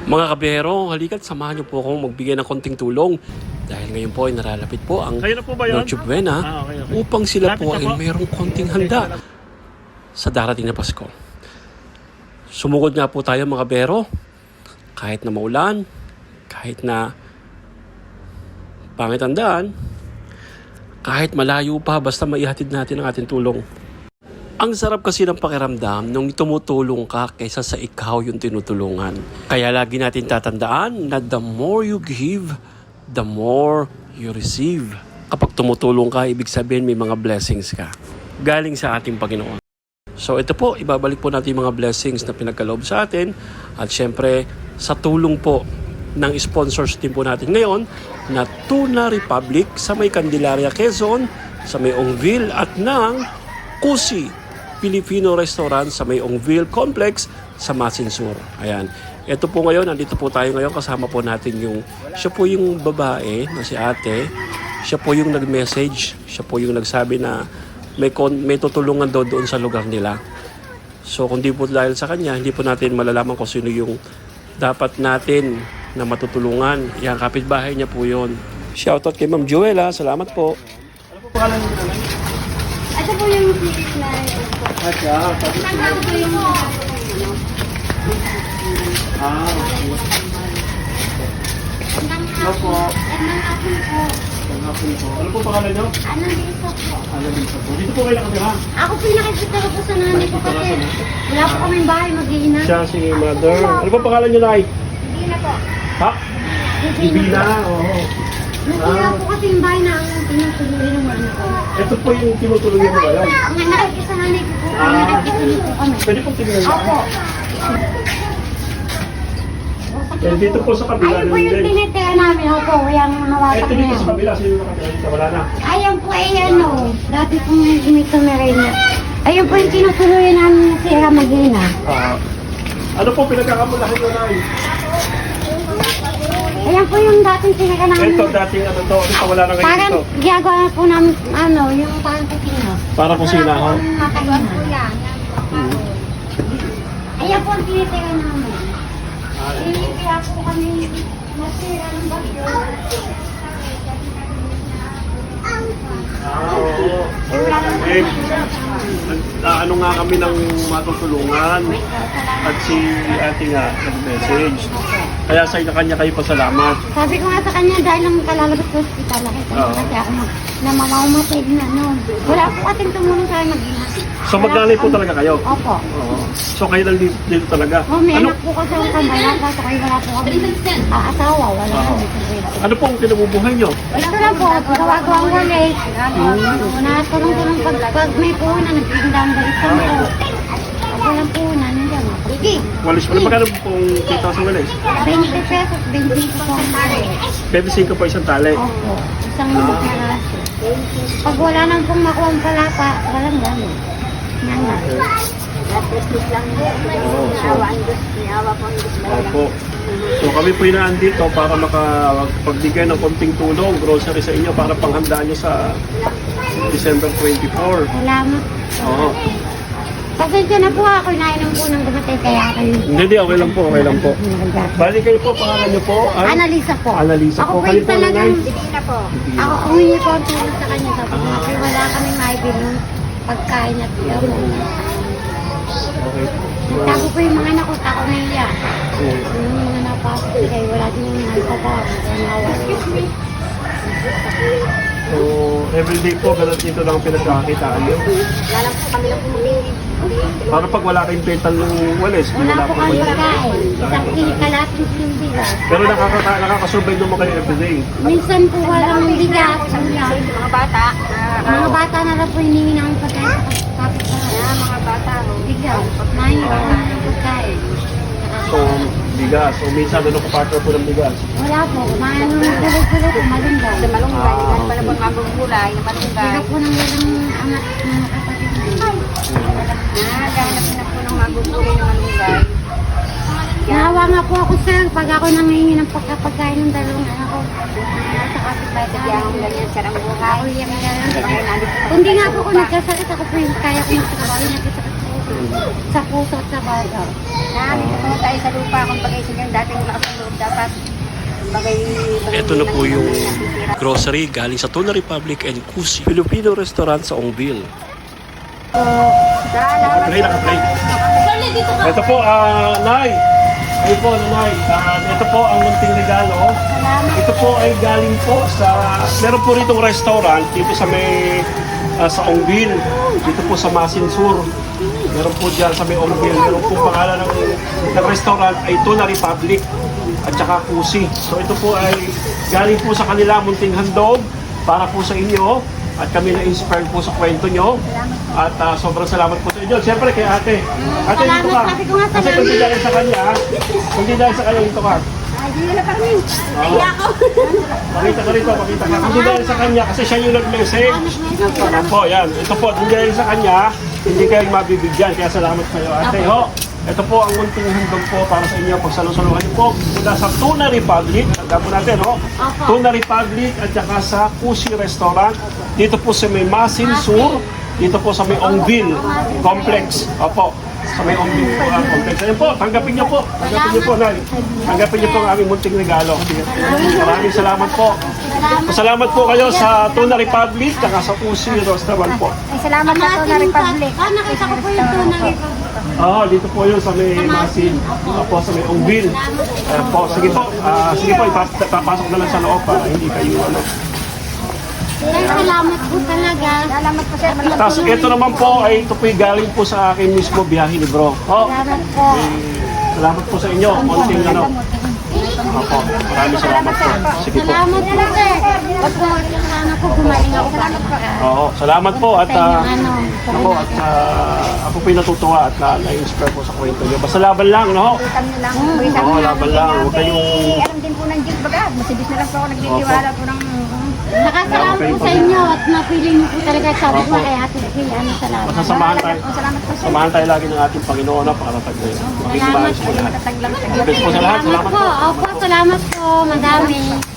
Mga kabiyero, halika't samahan niyo po akong magbigay ng konting tulong. Dahil ngayon po ay naralapit po ang Noche Buena upang sila po ay mayroong konting handa sa darating na Pasko. Sumugod nga po tayo mga kabiyero. Kahit na maulan, kahit na pangit ang daan, kahit malayo pa, basta maihatid natin ang ating tulong. Ang sarap kasi ng pakiramdam nung tumutulong ka kaysa sa ikaw yung tinutulungan. Kaya lagi natin tatandaan na the more you give, the more you receive. Kapag tumutulong ka, ibig sabihin may mga blessings ka galing sa ating Panginoon. So ito po, ibabalik po natin yung mga blessings na pinagkaloob sa atin. At syempre, sa tulong po ng sponsors din po natin ngayon na Tuna Republic sa may Candelaria, Quezon, sa may Ongville at ng Kusi Filipino Restaurant sa may Ongville Complex sa Masinsur. Ayan. Ito po ngayon, nandito po tayo ngayon, kasama po natin siya po yung babae na si ate. Siya po yung nag-message. Siya po yung nagsabi na may tutulungan doon sa lugar nila. So kung di po dahil sa kanya, hindi po natin malalaman kung sino yung dapat natin na matutulungan. Yan, kapitbahay niya po yun. Shoutout kay Ma'am Joella. Salamat po. Ano po pangalan niyo naman? Ito po yung series na ito. Nagbago po yung Ano po? Nang-apon po. Ano po pangalan niyo? Anong dito po? Dito po kayo nakatira. Ako po yung nakikita ko po sa nanay ko kasi wala po kaming bahay mag-iina. Siya si Mother. Ano po pangalan niyo, Nay? Hindi na po. Ha? Bibina. Oo. Nasira po kasi yung bahay na ang tinutuloy ng mga ko. Ito po yung tinutulong niyo ba yan? Ang nakikita sa nanay ko po, nakikita po kami. Pwede po tingnan niyo. Opo. Dito po sa kabila. Ayun po yung tinitira namin. Opo, yung nawasak Ito na dito yan. sa kabila. Sino nakatira dito? Wala na. Ayun po ay ano, dati pong may tumira niya. Ayun po yung tinutuloy namin na sira mag-iina. Ano po pinagkakamulahan niyo, Nay? Ayan po yung dating sinaga namin. Ito dating ano to. Ito wala na ngayon Parang ito. ginagawa po namin, ano, yung parang kusina. Para kusina ho. Makaina. Ayan po ang tinitira namin. Kaya po kami nasira ng bagyo. Oo. Ano nga kami ng matutulungan at si ate nga nag-message. Kaya sa kanya kayo pasalamat. Sabi ko nga sa kanya, dahil lang kalalabas sa hospital, nakita ko kasi ako na mamamatay na noon. Wala po ating tumulong sa mag-ina. So magnanay po talaga kayo? Opo. Oo. So kayo lang dito talaga? May anak po kasi ang kambayan, kaso kayo wala po kami asawa, wala kami. Ano po ang kinabubuhay nyo? Ito na po, gawa-gawa ang walis. Natulong-tulong pag may puhunan, nagtitinda ang balikan ko. Ako lang puhunan, nandiyan. Sige. Walis pa na magkano pong kita sa walis? 20 pesos, 25 po ang tali. 25 po isang tali. Opo, isang peraso. Pag wala nang pong makuha ang palapa, walang gano'n. Yan na. Opo. So kami po inaan dito para makapagbigay ng konting tulong, grocery sa inyo para panghandaan nyo sa December 24. Salamat. Oo. Pasensya na po ako, inainom po ng gumatay kaya kayo. Hindi, okay lang po, okay lang po. Bali kayo po, pangalan nyo po ay? Analisa po. Analisa Ako po. po Kayo yung po, talagang, nanay? hindi na po. Ako humingi po ang tulong sa kanya. Sabi ko, kasi wala kami maibili ng pagkain at gamot. Okay po. Nagtago po yung mga anak ko, tako na iya. Yung mga napasok kayo, wala din yung nagtatrabaho. So, everyday po, ganun dito lang pinagkakakitaan nyo. Wala po kami lang pumili. Para pag wala kayong pental ng walis, Wala po kami kayo. pagkain. Isang kalating yung bigas. Pero nakakasurvive naman kayo everyday. Minsan po walang bigas. Mga bata. Mga bata na lang po hiningi ng pagkain sa kapitbahay. Mga bata. Bigas. Mahirap po ng pagkain. So, bigas. So, minsan doon ako partner po ng bigas. Wala po. Maano tuloy-tuloy po. Malunggay. Sa malunggay. Ah, Pala po mga gulay. Malunggay. Hindi po nang walang anak na nakapatid na. Nagahanap na po ng magugulay na malunggay. Nahawa nga po ako sir, pag ako nangihingi ng pagkapagkain ng dalawang anak ko. Nasa kapitbahay ka diyan, ganyan siya ang buhay. Kundi nga po kung nagkasakit ako po yung kaya ko magtrabaho, nakita ko po. Sa puso at sa baga. Dito po tayo sa lupa kung bagay sa ganyan. Dating lakas ng loob dapat. Bagay. Ito na po yung grocery galing sa Tuna Republic and Kusi Filipino restaurant sa Ongbil. Salamat. Nakaplay, nakaplay. Ito po, Nay. Ayun po, Nay. Ito po ang munting regalo. Ito po ay galing po sa... Meron po ritong restaurant dito sa may... sa Ongbil. Dito po sa Masinsur. Meron po dyan sa may Ongbil. Meron po pangalan ng restaurant ay Tuna Republic at saka Kusi. So ito po ay galing po sa kanila munting handog para po sa inyo. At kami na-inspire po sa kwento nyo. At sobrang salamat po sa inyo. Siyempre kay ate. Ate, dito ka. Kasi kung di dahil sa kanya, dito ka. Ay, hindi na kami. Oo. Pakita ka rito, pakita ka. Kung di dahil sa kanya, kasi siya yung nag-message. Ano po, yan. Ito po, kung dahil sa kanya, hindi kayo mabibigyan. Kaya salamat kayo, ate. Ho, ito po ang munting handog po para sa inyo. Pagsalusaluhan niyo po mula sa Tuna Republic. Tanda po natin, ho? Tuna Republic at saka sa Kusi Restaurant. Dito po sa may Masinsur. Dito po sa may Ongbil Complex. Opo. Sa may Ongbil Complex. Ayun po, tanggapin niyo po. Tanggapin niyo po, Nay. Tanggapin niyo po ang aming munting regalo. Maraming salamat po. Salamat po kayo sa Tuna Republic at sa Kusi Restaurant po. Ay, salamat na to na Republic. Nakita ko po yung Tuna Republic. Oo, dito po yun sa may Masin. Po sa may Ongbil. Po, sige po. Sige po, ipapasok na lang sa loob para hindi kayo ano. Sir, salamat po talaga. Salamat po sir. Tapos ito naman po ay ito po galing po sa akin mismo biyahe ni bro. Oh, Salamat po. salamat po sa inyo. Konting ano. Opo, maraming salamat po. Sige po. Salamat po, sir. Pag po, sana po gumaling ako. Salamat po. Oo, salamat po at Sa inyong ano. ako at ako po natutuwa at na-inspire po sa kwento niyo. Basta laban lang, no? Kami na lang. Oo, laban lang. Huwag kayong Alam din po ng Diyos baga. Masibis na lang po ako nagtitiwala po ng... Nakasalamat po sa inyo at napili niyo po talaga sabi ko kay Ate Phil. Ano, salamat. sasamahan tayo. Salamat po sir. Samahan tayo lagi ng ating Panginoon na para maging maayos po lahat. Tataglang Best po sa lahat. Salamat Salamat po. po. Opo, salamat po. Madami.